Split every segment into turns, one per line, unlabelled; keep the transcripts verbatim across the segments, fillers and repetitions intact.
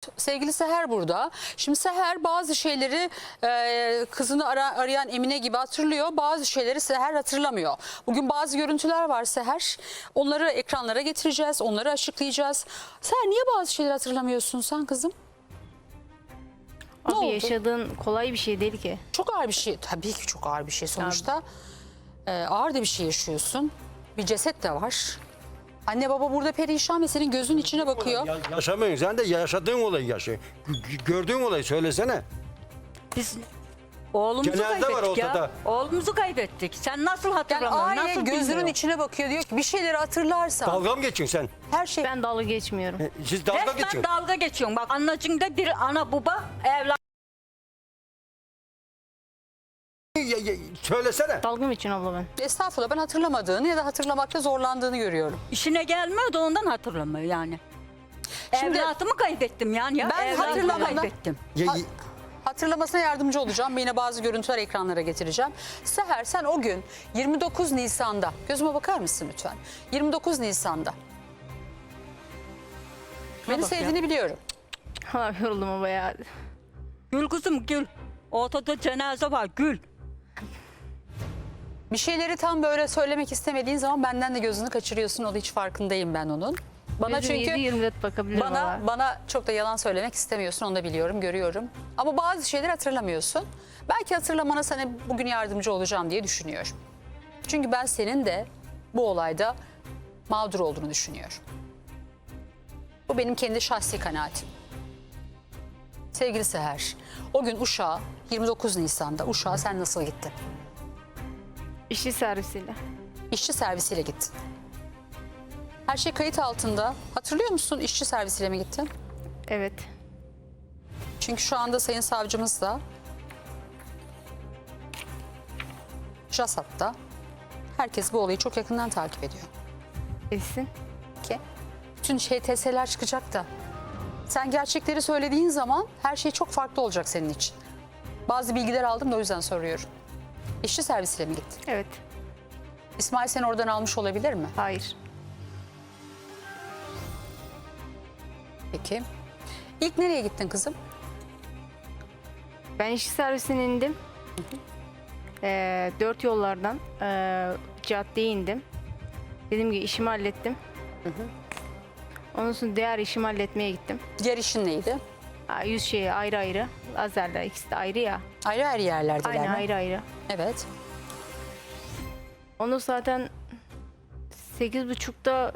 Sevgili Seher burada. Şimdi Seher bazı şeyleri e, kızını ara, arayan Emine gibi hatırlıyor. Bazı şeyleri Seher hatırlamıyor. Bugün bazı görüntüler var Seher. Onları ekranlara getireceğiz. Onları açıklayacağız. Seher niye bazı şeyleri hatırlamıyorsun sen kızım? Ne
Abi
oldu?
yaşadığın kolay bir şey değil ki.
Çok ağır bir şey. Tabii ki çok ağır bir şey sonuçta. E, ağır da bir şey yaşıyorsun. Bir ceset de var. Anne baba burada perişan ve senin gözün içine bakıyor.
Ya, yaşamıyorsun sen de yaşadığın olayı yaşa. G- Gördüğün olayı söylesene.
Biz oğlumuzu
Cenaze var
kaybettik ya.
ortada.
Oğlumuzu kaybettik. Sen nasıl
Yani
hatırlamıyorsun?
aile
nasıl
gözünün
bilmiyorsun?
içine bakıyor, diyor ki bir şeyleri hatırlarsan
Dalga mı geçiyorsun sen?
her şey...
Ben dalga geçmiyorum.
E, Siz dalga
Resmen
geçiyorsun.
dalga geçiyorsun. Bak anacığında bir ana baba evlat.
Ya- ya- Söylesene.
Dalga mı için abla ben?
Estağfurullah, ben hatırlamadığını ya da hatırlamakta zorlandığını görüyorum.
İşine gelmiyor da ondan hatırlamıyor yani.
Şimdi-
Evlatımı kaybettim yani. Ya.
Ben
Evlatımı
hatırlamadan-
kaybettim.
Ya-
Ha- Hatırlamasına yardımcı olacağım. Yine bazı görüntüler ekranlara getireceğim. Seher, sen o gün yirmi dokuz Nisan'da, gözüme bakar mısın lütfen? yirmi dokuz Nisan'da. Beni
bak ya.
sevdiğini biliyorum.
Ha, yoruldum ama ya.
Gül kızım gül. Ortada cenaze var gül.
Bir şeyleri tam böyle söylemek istemediğin zaman benden de gözünü kaçırıyorsun. O da hiç farkındayım ben onun. Bana
Gözüm
çünkü...
yedi yirmi dört bakabilirim
Bana
valla.
bana çok da yalan söylemek istemiyorsun, onu da biliyorum, görüyorum. Ama bazı şeyleri hatırlamıyorsun. Belki hatırlamana sana bugün yardımcı olacağım diye düşünüyorum. Çünkü ben senin de bu olayda mağdur olduğunu düşünüyorum. Bu benim kendi şahsi kanaatim. Sevgili Seher, o gün Uşak'a yirmi dokuz Nisan'da Uşak'a sen nasıl gittin?
İşçi servisiyle.
İşçi servisiyle gittin. Her şey kayıt altında. Hatırlıyor musun, işçi servisiyle mi gittin?
Evet.
Çünkü şu anda Sayın Savcımız da JASAT'ta herkes bu olayı çok yakından takip ediyor.
Etsin.
Ki bütün H T S'ler çıkacak da sen gerçekleri söylediğin zaman her şey çok farklı olacak senin için. Bazı bilgiler aldım da o yüzden soruyorum. İşçi servisiyle mi gittin?
Evet.
İsmail seni oradan almış olabilir mi?
Hayır.
Peki. İlk nereye gittin kızım?
Ben işçi servisine indim. Ee, dört yollardan ee, caddeye indim. Dediğim gibi işimi hallettim. Ondan sonra diğer işimi halletmeye gittim.
Diğer işin neydi?
Aa, yüz şeyi ayrı ayrı. Lazerler ikisi de ayrı ya.
Ayrı ayrı yerlerdeler
Aynı
mi?
ayrı ayrı.
Evet.
Onu zaten sekiz buçukta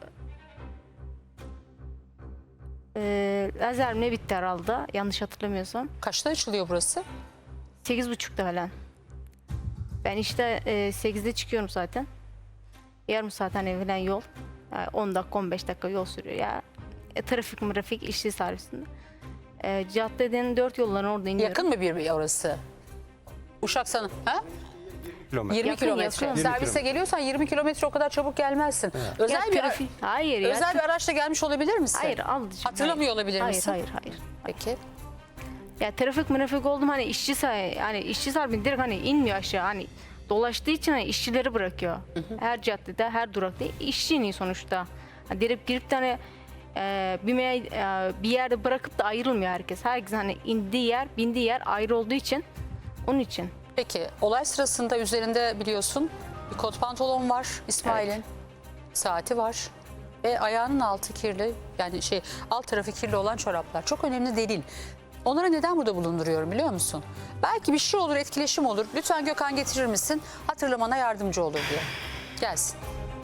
e, lazer mi ne bitti herhalde yanlış hatırlamıyorsam.
Kaçta açılıyor burası?
Sekiz buçukta falan. Ben işte e, sekizde çıkıyorum zaten. Yarım saat hani falan yol. Yani on dakika on beş dakika yol sürüyor ya. E, trafik mırafik işçi servisinde. E, caddeden dört yolların orada iniyorum.
Yakın mı bir orası? Uşak sana. Ha?
Kilometre.
yirmi
Yakın,
kilometre.
yakın.
Servise
kilometre.
geliyorsan yirmi kilometre o kadar çabuk gelmezsin. Özel
Ya
bir
trafik- hayır ya.
özel bir araçla gelmiş olabilir misin?
Hayır al.
Hatırlamıyor olabilir
hayır,
misin?
Hayır hayır.
Peki.
Ya trafik mırafik oldum hani işçi say hani işçi sarfı direkt hani inmiyor aşağı hani dolaştığı için hani işçileri bırakıyor. Her caddede her durakta işçi iniyor sonuçta. Hani direkt girip de hani e, bir, me- e, bir yerde bırakıp da ayrılmıyor herkes. Herkes hani indiği yer bindiği yer ayrı olduğu için onun için.
Peki olay sırasında üzerinde biliyorsun bir kot pantolon var İsmail'in.
Evet.
Saati var. Ve ayağının altı kirli, yani şey alt tarafı kirli olan çoraplar. Çok önemli delil. Onları neden burada bulunduruyorum biliyor musun? Belki bir şey olur, etkileşim olur. Lütfen Gökhan getirir misin? Hatırlamana yardımcı olur diye. Gelsin.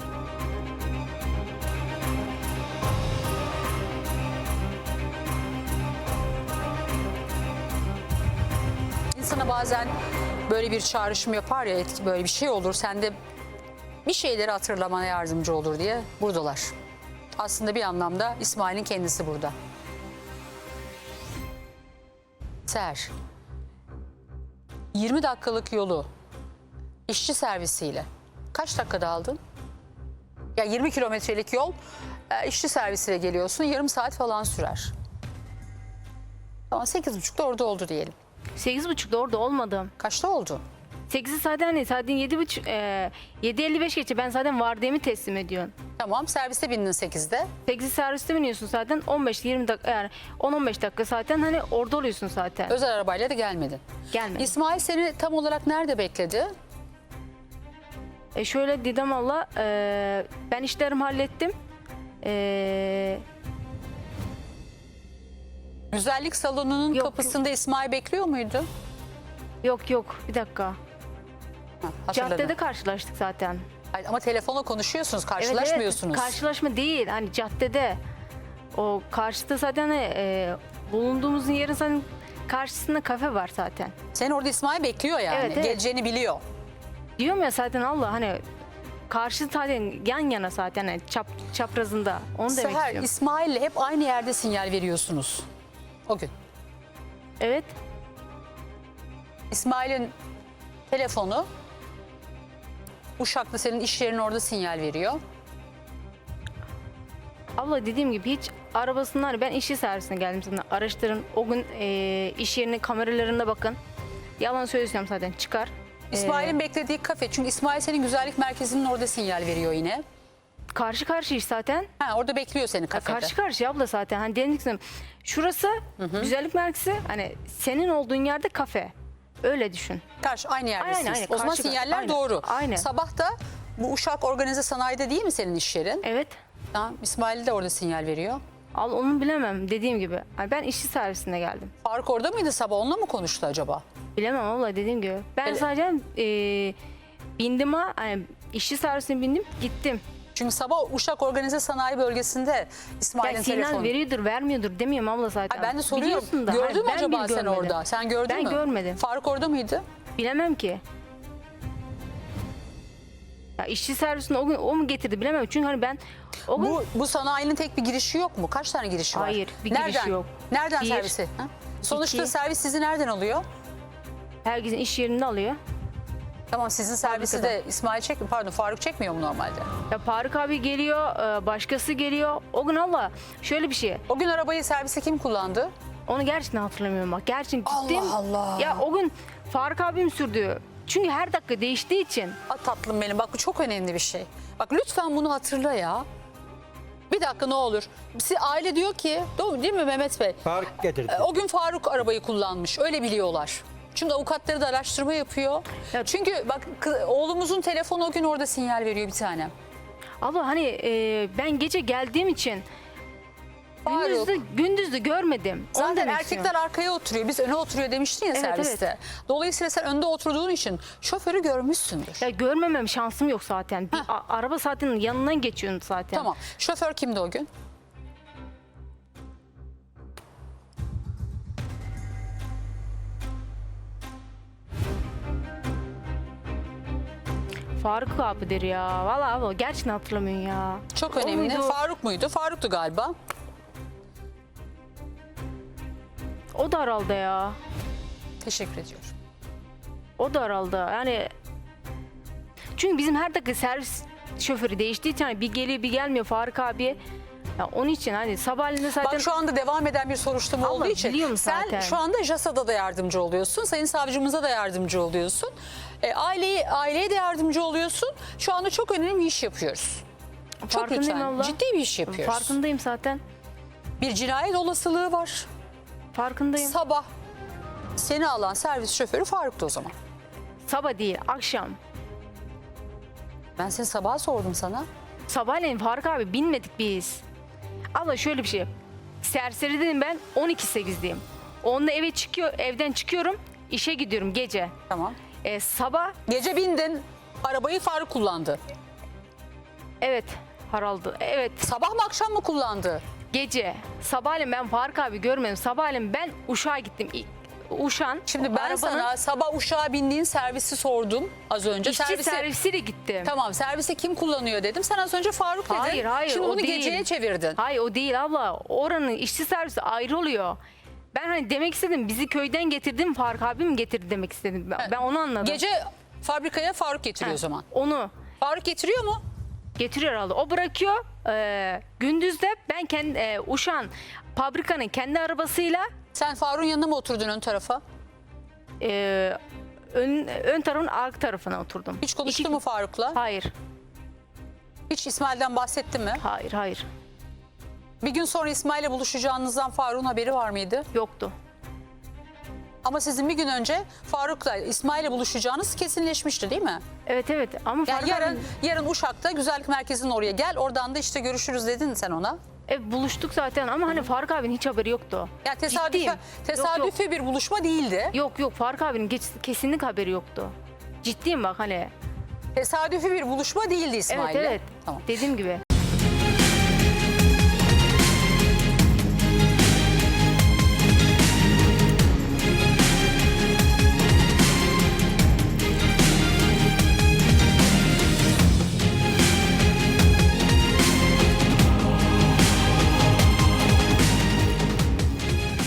İnsana bazen böyle bir çağrışım yapar ya, etki, böyle bir şey olur. Sen de bir şeyleri hatırlamana yardımcı olur diye buradalar. Aslında bir anlamda İsmail'in kendisi burada. Seher, yirmi dakikalık yolu işçi servisiyle kaç dakikada aldın? Ya yirmi kilometrelik yol e, işçi servisiyle geliyorsun, yarım saat falan sürer. Tamam, sekiz buçukta orada oldu diyelim.
Sekiz buçukta orada olmadım.
Kaçta oldu?
sekizi zaten hani zaten yedi buçuk, e, yedi elli beş geçe ben zaten vardiyamı teslim ediyorum.
Tamam, serviste bindin sekizde.
sekizi serviste biniyorsun zaten on beş yirmi dakika yani on on beş dakika zaten hani orada oluyorsun zaten.
Özel arabayla da gelmedin.
Gelmedi.
İsmail seni tam olarak nerede bekledi?
E şöyle Didem abla, e, ben işlerimi hallettim. E,
Güzellik salonunun
Yok,
kapısında İsmail bekliyor muydu?
yok yok bir dakika.
Ha, hatırladım.
Caddede karşılaştık zaten.
Hayır, ama telefonla konuşuyorsunuz,
Evet, evet.
karşılaşmıyorsunuz.
Karşılaşma değil hani caddede. O karşıda zaten e, bulunduğumuz yerin zaten karşısında kafe var zaten.
Seni orada İsmail bekliyor yani.
Evet, evet.
Geleceğini biliyor.
Diyorum ya zaten Allah hani karşı zaten yan yana zaten hani çap, çaprazında. Onu demek
Seher,
istiyorum.
İsmail'le hep aynı yerde sinyal veriyorsunuz. O gün.
Evet.
İsmail'in telefonu Uşak'ta, senin iş yerinin orada sinyal veriyor.
Abla dediğim gibi hiç arabasından hani ben işçi servisine geldim zaten. Araştırın o gün e, iş yerinin kameralarına bakın. Yalan söylüyorsam zaten çıkar.
İsmail'in
E,
beklediği kafe. Çünkü İsmail senin güzellik merkezinin orada sinyal veriyor yine.
karşı karşı iş zaten.
Ha, orada bekliyor seni
Ya
kafede.
karşı karşı abla zaten. Hani dedim şurası güzellik merkezi hani senin olduğun yerde kafe. Öyle düşün.
Karşı aynı yerdesiniz.
Aynen, aynen.
O zaman
Karşı-
sinyaller
aynen,
doğru.
aynen.
Sabah da bu Uşak Organize Sanayi'de değil mi senin iş yerin?
Evet.
Tamam, İsmail de orada sinyal veriyor.
Al onu bilemem dediğim gibi. Hani ben işçi servisine geldim.
Faruk orada mıydı sabah? Onunla mı konuştu acaba?
Bilemem abla dediğim gibi. Ben
Öyle-
sadece e, bindim ha hani işçi servisine bindim gittim.
Çünkü sabah Uşak Organize Sanayi Bölgesi'nde İsmail'in
Ya sinyal
telefonu.
veriyordur vermiyordur demiyorum abla zaten.
Ay, ben de soruyorum.
Biliyorsun da,
Gördün
hayır,
mü
ben
acaba
bile
sen
görmedim.
orada? Sen gördün
Ben
mü?
görmedim.
Faruk orada mıydı?
Bilemem ki. Ya işçi servisine o gün o mu getirdi bilemem. Çünkü hani ben o gün
Bu, bu sanayinin tek bir girişi yok mu? Kaç tane girişi var?
Hayır, bir girişi
nereden,
yok.
Nereden
Bir,
servisi? Ha? Sonuçta
iki.
servis sizi nereden alıyor?
herkesin iş yerinde alıyor.
Tamam, sizin servisi de İsmail çekmiyor. Pardon, Faruk çekmiyor mu normalde?
Ya Faruk abi geliyor, e, başkası geliyor. O gün Allah şöyle bir şey.
O gün arabayı servise kim kullandı?
Onu gerçekten hatırlamıyorum bak. Gerçekten
Allah
gittim.
Allah.
Ya o gün Faruk abim sürdü. Çünkü her dakika değiştiği için.
Aa, tatlım benim, bak bu çok önemli bir şey. Bak lütfen bunu hatırla ya. Bir dakika ne olur. Siz, aile diyor ki, doğru değil mi Mehmet Bey?
Fark getirdi.
E, O gün Faruk arabayı kullanmış. Öyle biliyorlar. Çünkü avukatları da araştırma yapıyor.
Ya-
Çünkü bak kı- oğlumuzun telefonu o gün orada sinyal veriyor bir tane.
Abla hani e, ben gece geldiğim için
Faruk.
gündüzde, gündüzde görmedim. Onu
Zaten
demek
erkekler
istiyorum.
arkaya oturuyor. Biz öne oturuyor demiştin ya
Evet,
serviste. Dolayısıyla sen önde oturduğun için şoförü görmüşsündür.
Ya görmemem şansım yok zaten. Bir a- araba zaten yanından geçiyorsun zaten.
Tamam. Şoför kimdi o gün?
Faruk abidir ya. Vallahi abla gerçekten hatırlamıyorum ya.
Çok
O
önemli.
muydu?
Faruk muydu? Faruk'tu galiba.
O da herhalde ya.
Teşekkür ediyorum.
O da herhalde. Yani çünkü bizim her dakika servis şoförü değiştiği için hani bir geliyor bir gelmiyor Faruk abi. Ya onun için hani sabahleyin zaten
Bak şu anda devam eden bir soruşturma
Allah
olduğu için
biliyorum
sen
zaten.
şu anda JASA'da da yardımcı oluyorsun. Sayın savcımıza da yardımcı oluyorsun. E, aileyi, aileye de yardımcı oluyorsun. Şu anda çok önemli bir iş yapıyoruz. Çok
farkındayım
lütfen.
abla.
Ciddi bir iş yapıyoruz.
Farkındayım zaten.
Bir cinayet olasılığı var.
Farkındayım.
Sabah seni alan servis şoförü Faruk'tu o zaman.
Sabah değil, akşam.
Ben seni sabah sordum sana.
Sabahleyin Faruk abi binmedik biz. Abla şöyle bir şey. Serseri dedim ben on iki sekizdeyim. Onunla eve çıkıyor, evden çıkıyorum, işe gidiyorum gece.
Tamam.
Ee, sabah
Gece bindin. Arabayı Faruk kullandı.
evet Haraldı. Evet
Sabah mı akşam mı kullandı?
gece. Sabahleyin ben Faruk abi görmedim. Sabahleyin ben Uşak'a gittim. İ- Uşak'ın
Şimdi ben
arabanın
sana sabah uçağa bindiğin servisi sordum az önce.
işçi
Servisi,
servisiyle gittim.
Tamam, servisi kim kullanıyor dedim. Sen az önce Faruk dedin.
Hayır hayır
Şimdi
o
bunu
değil.
geceye çevirdin.
Hayır o değil abla. Oranın işçi servisi ayrı oluyor. Ben hani demek istedim bizi köyden getirdim Faruk abim getirdi demek istedim. Ben, ben onu anladım.
Gece fabrikaya Faruk getiriyor o zaman.
Onu
Faruk getiriyor mu?
getiriyor herhalde. O bırakıyor. Ee, gündüz de ben kendi e, Uşak'ın fabrikanın kendi arabasıyla
Sen Faruk'un yanına mı oturdun ön tarafa?
e, ön, ön tarafın arka tarafına oturdum.
Hiç konuştu
İki-
mu Faruk'la?
Hayır,
Hiç İsmail'den bahsetti mi?
hayır, hayır.
Bir gün sonra İsmail'le buluşacağınızdan Faruk'un haberi var mıydı?
Yoktu.
Ama sizin bir gün önce Faruk'la İsmail'le buluşacağınız kesinleşmişti değil mi?
Evet evet ama
Yani
Faruk
yarın,
abi-
yarın Uşak'ta güzellik merkezinin oraya gel. Oradan da işte görüşürüz dedin sen ona.
e, buluştuk zaten ama hani Faruk abinin hiç haberi yoktu.
Yani tesadüfi,
Ciddiyim.
tesadüfi
Yok,
bir buluşma değildi.
Yok yok Faruk abinin geç- kesinlikle haberi yoktu. Ciddiyim bak hani.
Tesadüfi bir buluşma değildi İsmail'le.
Evet evet.
Tamam.
Dediğim gibi.